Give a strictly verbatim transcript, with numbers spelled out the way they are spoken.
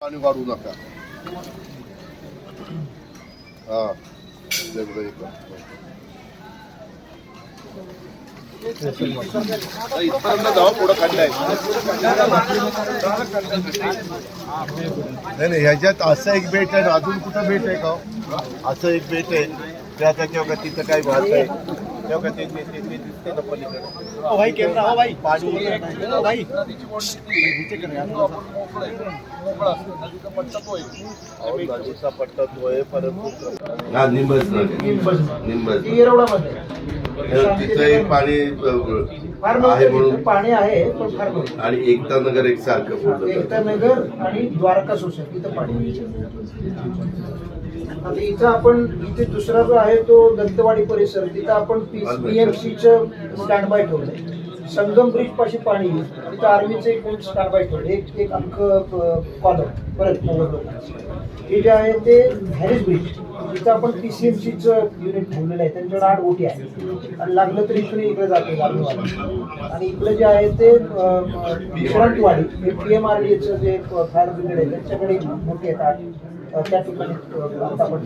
पाणी वाढू नका. हा इथपर्यंत जाऊ पुढं खड्डा नाही नाही ह्याच्यात असं एक बेट आहे अजून कुठं बेट आहे का असं एक बेट आहे त्याचा तेव्हा तिथं काही वाहत आहे तेव्हा ते दिसते ना पलीकडे पाणी नदीचा पट्टा तो आहे परंतु हा निंबस निंबस तिथं पाणी आहे म्हणून पाणी आहे पण फार आणि एकता नगर एक सारखं एकता नगर आणि द्वारका सोसायटी इथं पाणी. आता इथं आपण इथे दुसरा जो आहे तो दंतवाडी परिसर तिथं आपण पीएमसीचं स्टँड बाय ठेवलंय. संगम ब्रिज पाशी पाणी तिथं आर्मीचं एक स्टँड बाय ठेवलं एक एक अंक कॉलम परत हे जे आहे ते हॅरिस ब्रिज तिथं आपण पीसीएमसीचं युनिट ठेवलेलं आहे. त्यांच्याकडे आठ ओटी आहे आणि लागलं तर इकडे इकडे जाते आणि इकडे जे आहे ते विश्रांतवाडी हे पी एम आर डी एचं जे फायर ब्रिगेड आहे त्यांच्याकडे मोठी आहेत आठ त्या ठिकाणी आपण